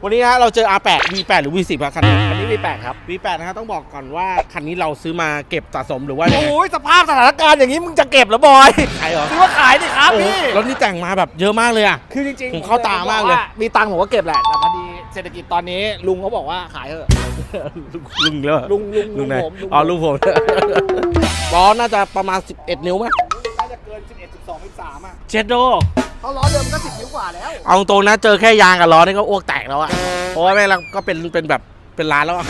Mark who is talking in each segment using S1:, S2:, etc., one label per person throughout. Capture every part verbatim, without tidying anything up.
S1: วันนี้นะฮะเราเจอ อาร์ แปด วี แปด หรือ วี สิบ ครับคันนี้
S2: อันนี้ วี แปด ครับ
S1: วี แปด นะฮะต้องบอกก่อนว่าคันนี้เราซื้อมาเก็บสะสมหรือว่า
S2: โอ้ยสภาพสถานการณ์อย่างนี้มึงจะเก็บเหรอบอย
S1: ขายเหรอ
S2: ซื้อว่าขายดิครับพี่
S1: รถนี่แต่งมาแบบเยอะมากเลยอ่ะ
S2: คือจริง
S1: ผมเข้าตามากเลย
S2: มีตังค์ผมก็เก็บแหละแต่พอดีเศรษฐกิจตอนนี้ลุงเขาบอกว่าขายเถอะ
S1: ลุงเลย
S2: ลุงลุง
S1: ลุงไหน
S2: ผมลุง
S1: อ๋อลุงผมล้อน่าจะประมาณสิบเอ็ดนิ้วไหม
S2: น่าจะเกินสิบเอ็ด สิบสอง สิบสามอ่ะ
S1: เชดโด
S2: เขาล้อเดิมก็สิบนิ้วกว่าแล้ว
S1: เอาตรงนะเจอแค่ยางกับล้อนี่ก็อ้วกแตกแล้วอะเพราะว่าแม่งก็เป็นเป็นแบบเป็นล้านแล้วอะ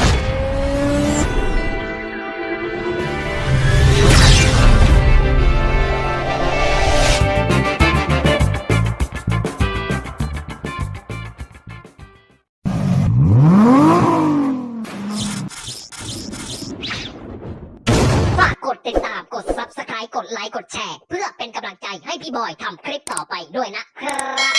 S3: ฝากกดติดตามกด ซับสไครบ์ กดไลค์กดแชร์เพื่อเป็นกำลังใจให้พี่บอยทำคลิปต่อไปด้วยนะครับ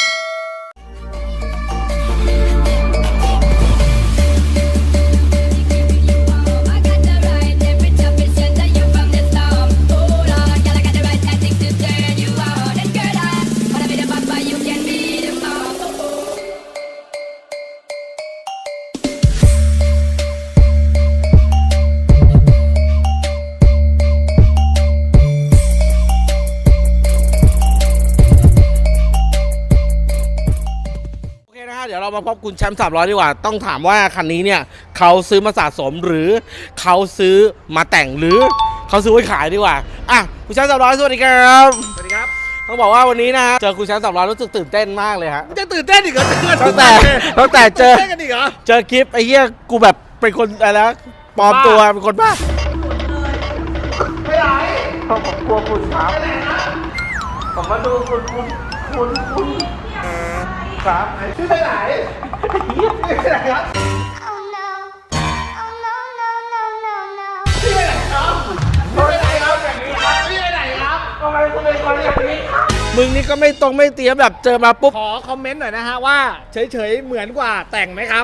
S1: เดี๋ยวเรามาพบคุณแชมป์สามร้อยดีกว่าต้องถามว่าคันนี้เนี่ยเขาซื้อมาสะสมหรือเขาซื้อมาแต่งหรือเขาซื้อไว้ขายดีกว่าอ่ะคุณแชมป์สามร้อยสวัสดีครับ
S2: สวัสดีครับ
S1: ต้องบอกว่าวันนี้นะฮะเจอคุณแชมป์สามร้อยรู้สึกตื่นเต้นมากเลยฮะ
S2: จะตื่นเต้นอีกเหรอ
S1: ตั้งแต่ตั้งแต่เจอ
S2: เต้นกันอีกเหรอ
S1: เจอคลิปไอ้เหี้ยกูแบบเป็นคนอะไรนะปลอมตัวเป็นคนบ้าไม่ไหนผมกลัวคุณครับผมมาดูคุณคุณคุณคุณครับชื่อไปไหนเหี้ยไปไหนครับ
S3: Oh no Oh no no no no no
S1: ชื่อไปไหนครับชื่อไปไหนครับแบบนี้ครับชื่อไปไหนครับทำไมคุณเป็นคนอย่างนี้มึงนี่ก็ไม่ตรงไม่เตรียมแบบเจอมาปุ๊บ
S2: ขอคอมเมนต์หน่อยนะฮะว่าเฉยๆเหมือนกว่าแต่งไหมครับ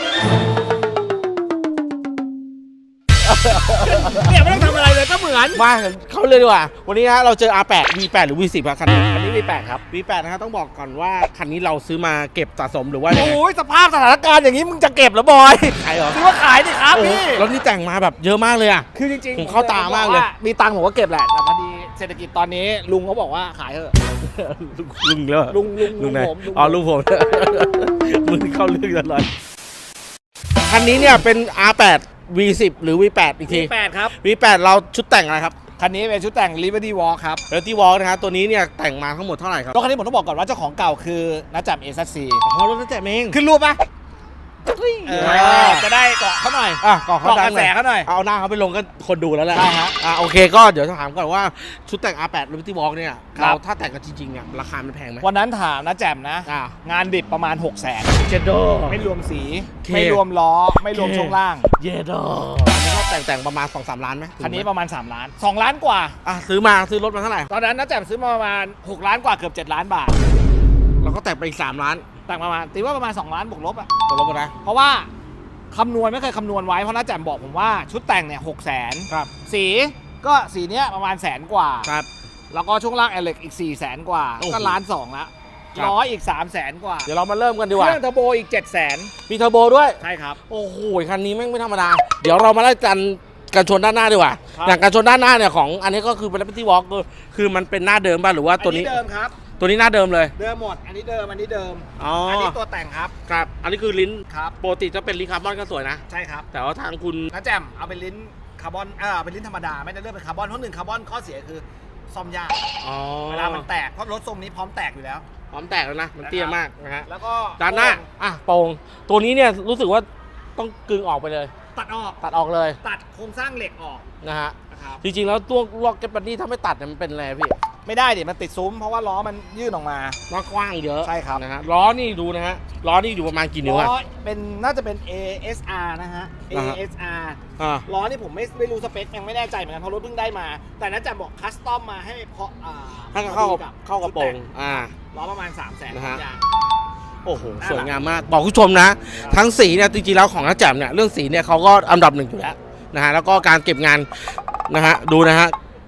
S2: เนี่ยไม่ต้องทำอะไรเลยก็เหมือน
S1: มาเขาเลยดีกว่าวันนี้นะฮะเราเจอ อาร์ แปด วี แปด หรือ วี สิบ ครับคันนี้
S2: อันนี้ วี แปด ครับ
S1: วี แปด นะฮะต้องบอกก่อนว่าคันนี้เราซื้อมาเก็บสะสมหรือว่า
S2: โอ้ยสภาพสถานการณ์อย่างนี้มึงจะเก็บเหรอบอย
S1: ขายเหรอ
S2: ซื้อว่าขายดิครับพี่
S1: รถนี่แต่งมาแบบเยอะมากเลยอ่ะ
S2: คือจริง
S1: ผมเข้าตามากเลย
S2: มีตังค์ผมก็เก็บแหละแต่พอดีเศรษฐกิจตอนนี้ลุงเขาบอกว่าขายเถอะ
S1: ลุงเลย
S2: ลุงลุง
S1: ลุงไหน
S2: ผมลุงผม
S1: อ๋อลุงผม มึงเข้าเรื่องตลอดคันนี้เนี่ยเป็น อาร์ แปด วี สิบ หรือ วี แปด อีกที
S2: วี แปด ครับ
S1: วี แปด เราชุดแต่งอะไรครับ
S2: คันนี้เป็นชุดแต่ง Liberty Walk ครับ
S1: เรตตี้วอลนะฮะตัวนี้เนี่ยแต่งมาทั้งหมดเท่าไหร่ครับ
S2: รถคันนี้ผมต้องบอกก่อนว่าเจ้าของเก่าคือนัจจับ เอ ซี
S1: อ๋อรถนั่นแต่เอง
S2: ขึ้นรูปปะเออจะได้เกาะเขาหน่อย
S1: อ่ะก่อนเขา
S2: เกาะ
S1: ดั
S2: ก
S1: ง
S2: ระ
S1: ห
S2: แส
S1: น่อย
S2: เขาหน่อย
S1: เอาหน้าเขาไปลงก็คนดูแล้วแหละ
S2: ใช่ฮะ
S1: อ่ะโอเคก็เดี๋ยวถามก่อนว่าชุดแต่ง อาร์ แปด Liberty Walk เนี่ย
S2: ครับ
S1: เราถ้าแต่งกันจริงๆเนี่ยราคามันแพงไหม
S2: วันนั้นถามนะแจ่มนะ
S1: อ่ะ
S2: งานดิบประมาณ 6 0 0 0 0
S1: เจโด
S2: ไม่รวมสี
S1: เค
S2: ไม่รวมล้อ ไม่รวมช่วงล่าง
S1: เยโดอันนี้ก็แต่งแต่งประมาณ สองสาม ล้านไหม
S2: คันนี้ประมาณ สาม ล้าน สอง ล้านกว่า
S1: อ่ะซื้อมาซื้อรถมาเท่าไหร่
S2: ตอนนั้นนะแจ่มซื้อมาประมาณ หก ล้านกว่าเกือบ เจ็ด ล้านบาท
S1: เราก็แต่งไปอีกสามล้าน
S2: แต่งประมาณตีว่าประมาณ สอง ล้านบวกลบอ่ะ
S1: ตกลงกันนะ
S2: เพราะว่าคำนวณไม่เคยคำนวณไว้เพราะน้าแจ่มบอกผมว่าชุดแต่งเนี่ยหกแสน
S1: ครับ
S2: สีก็สีเนี้ยประมาณแสนกว่า
S1: ครับ
S2: แล้วก็ช่วงล่างแอลเล็กอีกสี่แสนกว่า
S1: โอ้โห
S2: ก็ล้านสองละ
S1: ครับ
S2: ล้ออีกสามแสนกว่า
S1: เดี๋ยวเรามาเริ่มกันดี
S2: เค
S1: กว่า
S2: รื่องเทอร์โบอีกเจ็ดแสน
S1: มีเทอร์โบด้วย
S2: ใช่ครับ
S1: โอ้โหคันนี้แม่งไม่ธรรมดา เดี๋ยวเรามาไล่กันกันชนด้านหน้าดีกว่า
S2: ครับ
S1: อย่างการชนด้านหน้าเนี่ยของอันนี้ก็คือเป็น Liberty Walk คือคือมันเป็นหน้าเดิมป่ะหรือว่าตัวนี้
S2: อันนี้เดิมครับ
S1: ตัวนี้หน้าเดิมเลย
S2: เดิมหมด อันนี้เดิมอันนี้เดิม
S1: อ๋อ
S2: อั
S1: อั
S2: นนี้ตัวแต่งครับ
S1: ครับ อันนี้คือลิ้น
S2: ครับ
S1: ปกติจะเป็นลิ้นคาร์บอนก็สวยนะ
S2: ใช่ครับ
S1: แต่ว่าทางคุณ
S2: น้าแจ่มเอาเป็นลิ้นคาร์บอนเออเอาเป็นลิ้นธรรมดาไม่ได้เลือกเป็นคาร์บอนเพราะหนึ่งคาร์บอนข้อเสียคือซ่อมยาก
S1: อ๋อ
S2: เวลามันแตกเพราะรถทรงนี้พร้อมแตกอยู่แล้ว
S1: พร้อมแตกแล้วนะ มันเตี้ยมากนะฮะ
S2: แล้วก็
S1: ด้านหน้า อ่ะโปร่งตัวนี้เนี่ยรู้สึกว่าต้องกึงออกไปเลย
S2: ตัดออก
S1: ตัดออกเลย
S2: ตัดโครงสร้างเหล็กออก
S1: นะฮะ
S2: นะครับ
S1: จริงๆแล้วตัวล็อกเก็ตบัดดี้ถ้าไม่ตัดเนี่ยมันเป็นอะไรพี่
S2: ไม่ได้ดิมันติดซุ้มเพราะว่าล้อมันยื่นออกมา
S1: ล้อกว้างเยอะ
S2: ใช่ครับ
S1: นะฮะล้อนี่ดูนะฮะล้อนี่อยู่ประมาณกี่นิ้ว
S2: ล้
S1: อะ
S2: อเป็นน่าจะเป็น เอ เอส อาร์ นะฮะ เอ
S1: อ่าฮะ
S2: เอส อาร์
S1: อ่า
S2: ล้อนี่ผมไม่ไม่รู้สเปคยังไม่แน่ใจเหมือนกันเพราะรถเพิ่งได้มา แต่น่าจะบอกคัสตอมมาให้เพราะอ่า
S1: ให้เข้า
S2: พอ
S1: กับ
S2: ดี
S1: เข้ากระโปรงอ่า
S2: ล้อประมาณ สามแสน
S1: นะฮะ
S2: ยาง
S1: โอ้โห
S2: น่ารัก
S1: สวยงามมาก บอกคุณผู้ชมนะ ทั้งสีเนี่ยจริงๆแล้วของน้าแจ่มเนี่ยเรื่องสีเนี่ยเขาก็อันดับหนึ่งอยู่แล้วนะฮะแล้วก็การเก็บงานนะฮะดูนะฮะ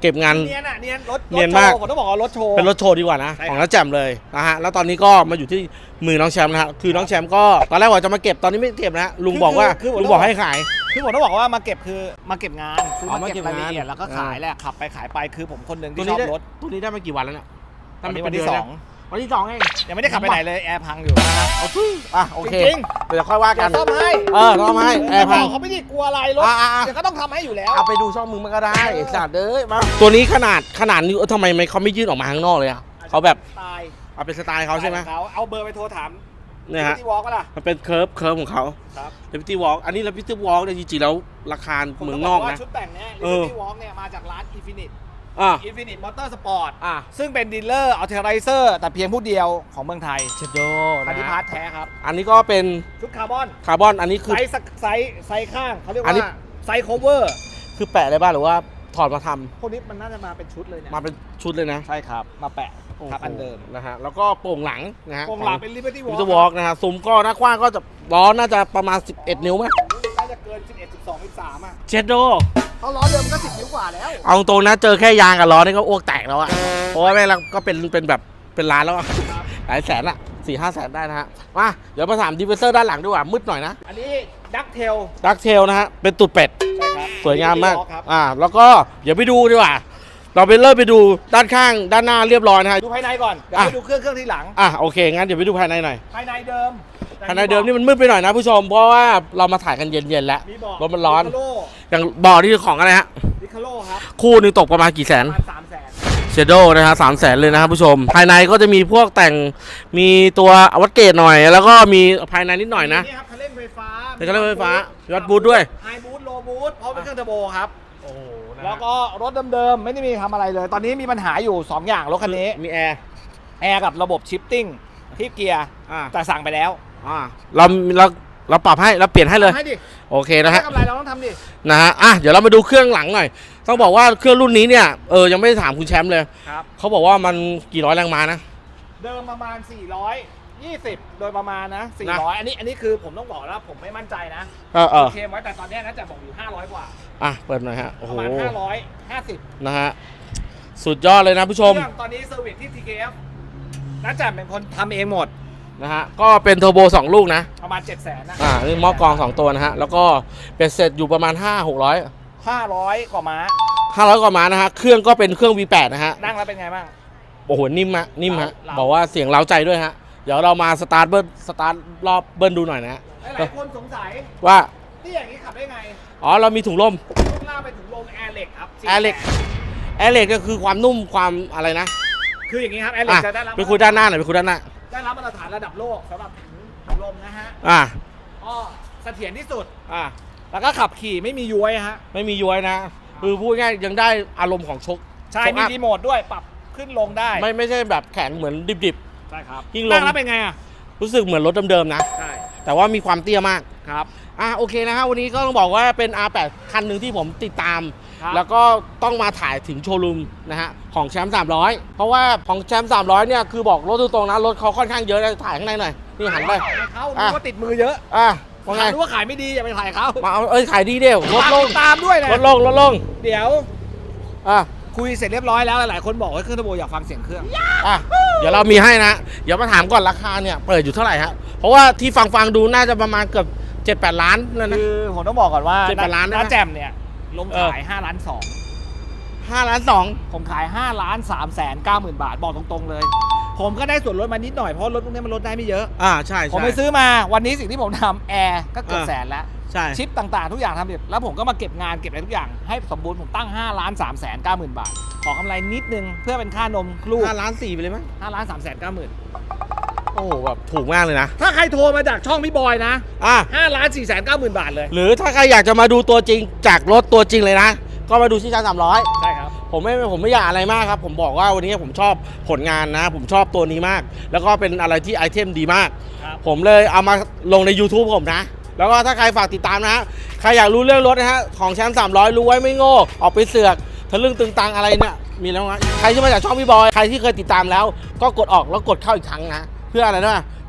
S1: เก็บงาน
S2: เนียนอ่ะเนียนรถ
S1: เนียนมาก
S2: ผมต้องบอกว่ารถโชว์
S1: เป็นรถโชว์ดีกว่านะ
S2: ใช่ครับ
S1: ของน้าแจ่มเลยนะฮะแล้วตอนนี้ก็มาอยู่ที่มือน้องแชมป์นะฮะคือน้องแชมป์ก็ตอนแรกว่าจะมาเก็บตอนนี้ไม่เก็บนะฮะลุงบอกว่าลุงบอกให้ขาย
S2: คือผมต้องบอกว่ามาเก็บคือมาเก็บงานซื้อ
S1: อ๋อ
S2: มาเก็บ
S1: มาเก็บ
S2: รายละเอียด
S1: งาน
S2: แล้วก็ขายแหละขับไปขายไปคือผมคนหนึ่ง
S1: ตัว
S2: ที่ช
S1: นี้
S2: อบ
S1: ได้
S2: รถ
S1: ตัวนี้ได้มากี่วันแล้วเนี่ย
S2: ตอนนี้
S1: เป็
S2: วันที่
S1: เดื
S2: ส
S1: แล้
S2: อง
S1: วันที่สองเอง
S2: ยังไม่ได้ขับไปไหนเลยแอร์พังอยู่
S1: เอาทุยอ่ะโอเค
S2: จริง
S1: เดี๋ยวค่อยว่า
S2: ๆ
S1: กั
S2: เดี๋ย
S1: น
S2: วซ่อมให้
S1: เออซ่อมให้แอร์พัง
S2: บกเขาไม่ได้กลัวอะไรรถ
S1: อ่ะๆๆ
S2: เดี๋ยวก็ต้องทำให้อยู่แล้ว
S1: เอาไปดูช่องมึงมันก็ได้ไอ้สัตว์เอ้ยมาตัวนี้ขนาดขนาดนี้เออทำไมไม่เขาไม่ยื่นออกมาข้างนอกเลยอ่ะเขาแบบ
S2: ตาย
S1: เอาเป็นสไตล์เขาใช่ไหม
S2: เขาเอาเบอร์ไปโทรถาม
S1: เนี่ยฮะ
S2: ที่วอล์กก็ล่ะ
S1: มันเป็นเคิร์ฟเคิร์ฟของเขา
S2: ครับ
S1: เลปิตี้วอล์กอันนี้เลปิตี้วอล์กเนี่ยจริงๆแล้วราคา
S2: ผม
S1: เมื
S2: ต้
S1: อง
S2: ง
S1: น
S2: บ
S1: อก
S2: ว่า
S1: นะ
S2: ชุดแต่งเนี้ย
S1: เออ
S2: ที่วอล์กเนี่ยมาจากร้าน Infinite
S1: อ่ะ
S2: Infinite Motorsport
S1: อ่ะ
S2: ซึ่งเป็นดีลเลอร์ออเทอร์ไรเซอร์แต่เพียงผู้เดียวของเมืองไทย
S1: เชดโด
S2: คันที่
S1: นะ
S2: พา
S1: ฮะ
S2: ร์ทแท้ครับ
S1: อันนี้ก็เป็น
S2: ชุดคาร์บอน
S1: คาร์บอนอันนี้คือ
S2: ไซส์สักไซส์ไซส์ข้างเขาเรียก
S1: อันนี้
S2: ว่าไซส์โคเวอร์
S1: คือแปะได้บ้างหรือว่าถอดมาทำ
S2: พวกนี้มันน่าจะมาเป็นชุดเลยเนี่ย
S1: มาเป็นชุดเลยนะ
S2: ใช่ครับ มาแปะครับอันเดิม
S1: นะฮะแล้วก็โป่งหลังนะฮะ
S2: วงหลังเป็น Liberty
S1: วิ
S2: Walk
S1: ตวอล์กนะฮะซุ้มก็หน้ากว้างก็จะล้อน่าจะประมาณสิบเอ็ดนิ้วไหม
S2: น่าจะเกิน สิบเอ็ด สิบสอง สิบสาม อ่ะ
S1: เชดโด
S2: เขาล้อเดิมก็สิบนิ้วกว่าแล้ว
S1: เอาตรงนะเจอแค่ยางกับล้อนี่ก็อ้วกแตกแล้วอะเพราะว่าแม่งเราก็เป็นเป็นแบบเป็นล้านแล้วอะ
S2: ครับ
S1: หลายแสนอะสี่ห้าแสนได้นะฮะมาเดี๋ยวมาถามดีเวเซอร์ด้านหลังดีกว่ามืดหน่อยนะ
S2: อันนี้ดักเทล
S1: ดักเทลนะฮะเป็นตุดเป็ด
S2: ใช่ครับ
S1: สวยงามมาก
S2: Liberty Walk ครับ
S1: อ่าแล้วก็เดี๋ยวไปดูดีกว่าเราไปเริ่มไปดูด้านข้างด้านหน้าเรียบร้อยนะฮะ
S2: ดูภายในก่อน เดี๋ยว
S1: อ่ะ
S2: ไปดูเครื่องเครื่องที่หลัง
S1: อ่ะโอเคงั้นเดี๋ยวไปดูภายในหน่อย
S2: ภายในเดิม
S1: ภายในเดิมนี่มันมืดไปหน่อยนะผู้ชมเพราะว่าเรามาถ่ายกันเย็นๆแล้ว
S2: มีบอก
S1: รถมันร้อน
S2: ดิคาโล
S1: อย่างบ่อนี่คือของอะไรฮะ
S2: ดิคาโลครับ
S1: คู่หนึงตกประมาณกี่แสน
S2: ประมาณสามแสน
S1: เชโดนะฮะสามแสนเลยนะครับผู้ชม ภายในก็จะมีพวกแต่งมีตัวอวัตเกตหน่อย แล้วก็มีภายในนิดหน่อยนะ
S2: นี่ครับคันเร่งไฟฟ้า
S1: เป็นคันเร่งไฟฟ้ามีวัดบูทด้วย
S2: ไฮบูทโลบูทเพราะเป็นเครื่องเทอร์โบครับ
S1: โอ้โห
S2: แล้วก็รถเดิมๆ ไม่ได้มีทำอะไรเลย ตอนนี้มีปัญหาอยู่ สอง อย่างรถคันนี้
S1: มีแอร์
S2: แอร์กับระบบชิฟติ้งที่เกียร์
S1: อ่า
S2: แต่สั่งไปแล้ว
S1: อ่าเราเราเราปรับให้เราเปลี่ยนให้เลย
S2: ให้ดิ
S1: โอเคนะฮะ
S2: ได้กำไรเราต้องทำดิ
S1: นะฮะอ่ะเดี๋ยวเรามาดูเครื่องหลังหน่อย ต้องบอกว่าเครื่องรุ่นนี้เนี่ยเออยังไม่ได้ถามคุณแชมป์เลย
S2: ครับ
S1: เขาบอกว่ามันกี่ร้อยแรงม้านะ
S2: เดิมประมาณ สี่ร้อยยี่สิบ โดยประมาณนะ สี่ร้อย อันนี้อันนี้คือผมต้องบอกแล้วผมไม่มั่นใจนะ
S1: เออเออ
S2: เคลมไว้แต่ตอนนี้น่าจะบอกอยู่ ห้าร้อย กว่า
S1: อ่ะเปิดหน่อยฮะโอ้
S2: ป
S1: โห
S2: ระมาณ ห้าร้อยห้าสิบ
S1: นะฮะสุดยอดเลยนะผู้ชม
S2: เครื่องตอนนี้เซอร์วิสที่ ที เค เอฟ น่าจะเป็นคนทำเองหมด
S1: นะฮะก็เป็นเทอร์โบสองลูกนะ
S2: ประมาณ เจ็ดแสนนะ
S1: อ่านี่หม้อกรองสองตัวนะฮะ แล้วก็เป็นเสร็จอยู่ประมาณ ห้า หกร้อย
S2: ห้าร้อย กว่าม้า
S1: ห้าร้อยกว่าม้านะฮะ เครื่องก็เป็นเครื่อง วี แปด นะฮะ
S2: นั่งแล้วเป็นไงบ้าง
S1: โอ้โห นิ่มฮะ นิ่มฮะ
S2: เรา
S1: บอกว่าเสียงเร้าใจด้วยฮะ เดี๋ยวเรามาสตาร์ทเบิ้ลสตาร์ทรอบเบิ้ลดูหน่อยนะฮะ
S2: หลายๆคนสงสัย
S1: ว่า
S2: ที่อย่างนี้ขับได้ไง
S1: อ๋อ เรามีถุงลม
S2: ลูกล่างไปถึงลมแอร์เหล็กครับ
S1: แอร์เหล็ก แอร์เล็กก็คือความนุ่มความอะไรนะ
S2: คืออย่างนี้ครับแอร์เหล็
S1: อ่ะ
S2: กจะได้รับ
S1: ไปคุยด้านหน้าหน่อยไปคุยด้านหน้า
S2: ได้รับมาตรฐานระดับโลกสำหรับถุงลมนะฮะ
S1: อ่า
S2: ก็เสถียรที่สุด
S1: อ่า
S2: แล้วก็ขับขี่ไม่มีย้วยฮะ
S1: ไม่มีย้วยนะ คือพูดง่ายยังได้อารมณ์ของชก
S2: ใช่
S1: ชก
S2: มี
S1: อัพ
S2: รีโมทด้วยปรับขึ้นลงได้
S1: ไม่ไม่ใช่แบบแข็งเหมือนดิบ
S2: ใช่ครับ
S1: ยิ่งลง
S2: นั่งแล้วเป็นไงอ่ะ
S1: ๆ รู้สึกเหมือนรถเดิมๆนะ
S2: ใช่
S1: แต่ว่ามีความเตี้ยมาก
S2: ครับ
S1: อ่ะโอเคนะฮะวันนี้ก็ต้องบอกว่าเป็น อาร์ แปด คันหนึ่งที่ผมติดตาม
S2: ครับ
S1: แล้วก็ต้องมาถ่ายถึงโชว์รูมนะฮะของแชมป์สามร้อยเพราะว่าของแชมป์สามร้อยเนี่ยคือบอกรถตรงๆนะรถเขาค่อนข้างเยอะนะถ่ายข้างในหน่อยนี่หันไป
S2: เขา
S1: อ่ะ
S2: รู้ว่าติดมือเยอะ
S1: อ่ะว่าไง
S2: รู้ว่าขายไม่ดีอย่าไปถ่ายเขา
S1: มาเอาเอ้ยขายดีเดียวลดลง
S2: ฝากติตามด้วยนะ
S1: ลดลงลดลง
S2: เดี๋ยว
S1: อ่ะ
S2: คุยเสร็จเรียบร้อยแล้วหลายๆคนบอกว่าเครื่องเทอร์โบอยากฟังเสียงเครื่อง
S1: อ่ะเดี๋ยวเรามีให้นะเดี๋ยวมาถามก่อนราคาเนี่ยเปิดอยู่เท่าไหร่ฮะเพราะว่าที่ฟังฟังๆดูน่าจะประมาณเกือบเจ็ดแปดล้านเลยนะ
S2: คือผมต้องบอกก่อนว่า
S1: เจ็ดแปดล้านได้ไหม
S2: น้าแจมเนี่ยลง
S1: เออ
S2: ขายห้าล้านสอง
S1: ห้าล้านสอง
S2: ผมขายห้าล้านสามแสนเก้าหมื่นบาทบอกตรงๆเลย ผมก็ได้ส่วนลดมานิดหน่อยเพราะรถพวกนี้มันลดได้ไม่เยอะ
S1: อ่าใช่
S2: ผม
S1: ใช่
S2: ไปซื้อมาวันนี้สิ่งที่ผมทำแอร์ก็เกือบ
S1: เออ
S2: แสนแล้ว
S1: ใช่
S2: ชิปต่างๆทุกอย่างทำเสร็จแล้วผมก็มาเก็บงานเก็บอะไรทุกอย่างให้สมบูรณ์ผมตั้งห้าล้านสามแสนเก้าหมื่นบาท ขอกำไรนิดนึงเพื่อเป็นค่านมลูก
S1: ห้าล้านสี่ไปเลยมั้ย
S2: ห้าล้านสามแสนเก้าหมื่น
S1: โอ้โหแบบถูกมากเลยนะ
S2: ถ้าใครโทรมาจากช่องพี่บอยนะ
S1: อ่ะ
S2: ห้าล้านสี่แสนเก้าหมื่นบาทเลย
S1: หรือถ้าใครอยากจะมาดูตัวจริงจากรถตัวจริงเลยนะ ก็มาดูที่ชั้นสามร้อย
S2: ใช่ครับ
S1: ผมไม่ผมไม่อยากอะไรมากครับ ผมบอกว่าวันนี้ผมชอบผลงานนะ ผมชอบตัวนี้มาก แล้วก็เป็นอะไรที่ไอเทมดีมาก
S2: ครับ
S1: ผมเลยเอามาลงใน YouTube ผมนะ แล้วก็ถ้าใครฝากติดตามนะฮะใครอยากรู้เรื่องรถนะฮะของแชมป์สามร้อยรู้ไว้ไม่โง่ออกไปเสือกทะลึ่งตึงตังอะไรเนี่ยมีแล้วนะใครที่มาจากช่องพี่บอยใครที่เคยติดตามแล้ว ก็กดออกแล้วกดเข้าอีกครั้งนะเพื่ออะไรนะ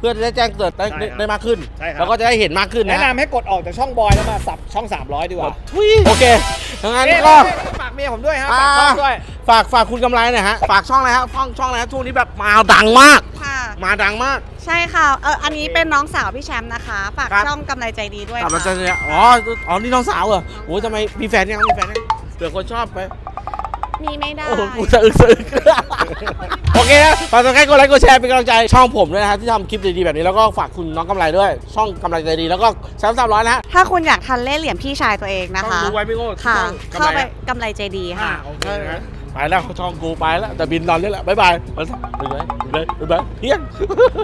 S1: พื่อจะได้แจ้งเกิดได้
S2: ใช่ครับ
S1: ได้มากขึ้น
S2: ใช่ครับ
S1: แล้วก็จะได้เห็นมากขึ้น
S2: แนะ
S1: นะ
S2: นำให้กดออกจากช่องบอยแล้วมาสับช่องสามร้อยดีกว่า
S1: ทุยโอเคดังนั้น
S2: เอ๊ะ
S1: ก็
S2: ฝากเมียผมด้วยฮะฝากช่องด้วย
S1: ฝากฝากคุณกำไรหน่อยฮะฝากช่องอะไรฮะช่องช่องอะไรฮะช่วงนี้แบบมาดังมาก
S4: ค่ะ
S1: มาดังมาก
S4: ใช่ค่ะ เอออันนี้เป็นน้องสาวพี่แชมป์นะคะ ฝาก
S1: ครับ
S4: ช่องกำไรใจดีด้วย
S1: กลับมา
S4: ค่ะ
S1: เจอเนี่ยอ๋ออ๋อนี่น้องสาวเหรอโอ้ยทำไมมีแฟนยังมีแฟนยังเผื่อคนชอบไป
S4: มีไม่ได้
S1: โอ้โหกูสะอึกสะอึก โอเคนะฝากกดไลค์กดไลค์กดแชร์เป็นกำลังใจช่องผมด้วยนะฮะที่ทำคลิปดีๆแบบนี้แล้วก็ฝากคุณน้องกำไรด้วย ช่องกำไรใจดีแล้วก็แชมป์สามร้อยนะฮะ
S4: ถ้าคุณอยากทันเล่ห์เหลี่ยมพี่ชายตัวเองนะ
S1: ช่อง
S4: คะ
S1: ดูไว้พี่โก้
S4: ค่ะ
S1: ช่องกำ
S4: เข้า
S1: ไร
S4: ไป
S1: อะ
S4: กำไรใจดี
S1: อ่า
S4: ค่ะ
S1: โอเคนะไปแล้วช่องกูไปแล้วแต่บินนอนนี่แหละบ๊ายบายไปเลยไปเลยไปเลยเฮียน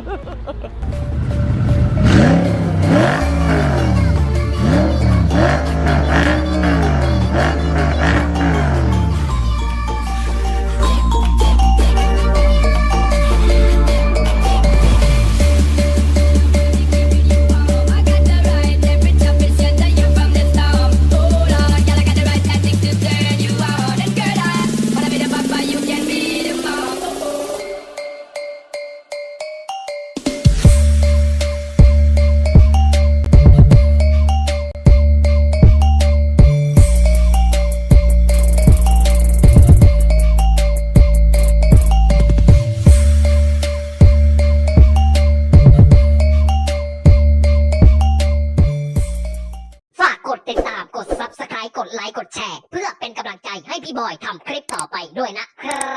S3: ฝากกดติดตามกด ซับสไครบ์ กดไลค์กดแชร์ เพื่อเป็นกำลังใจให้พี่บอยทำคลิปต่อไปด้วยนะครับ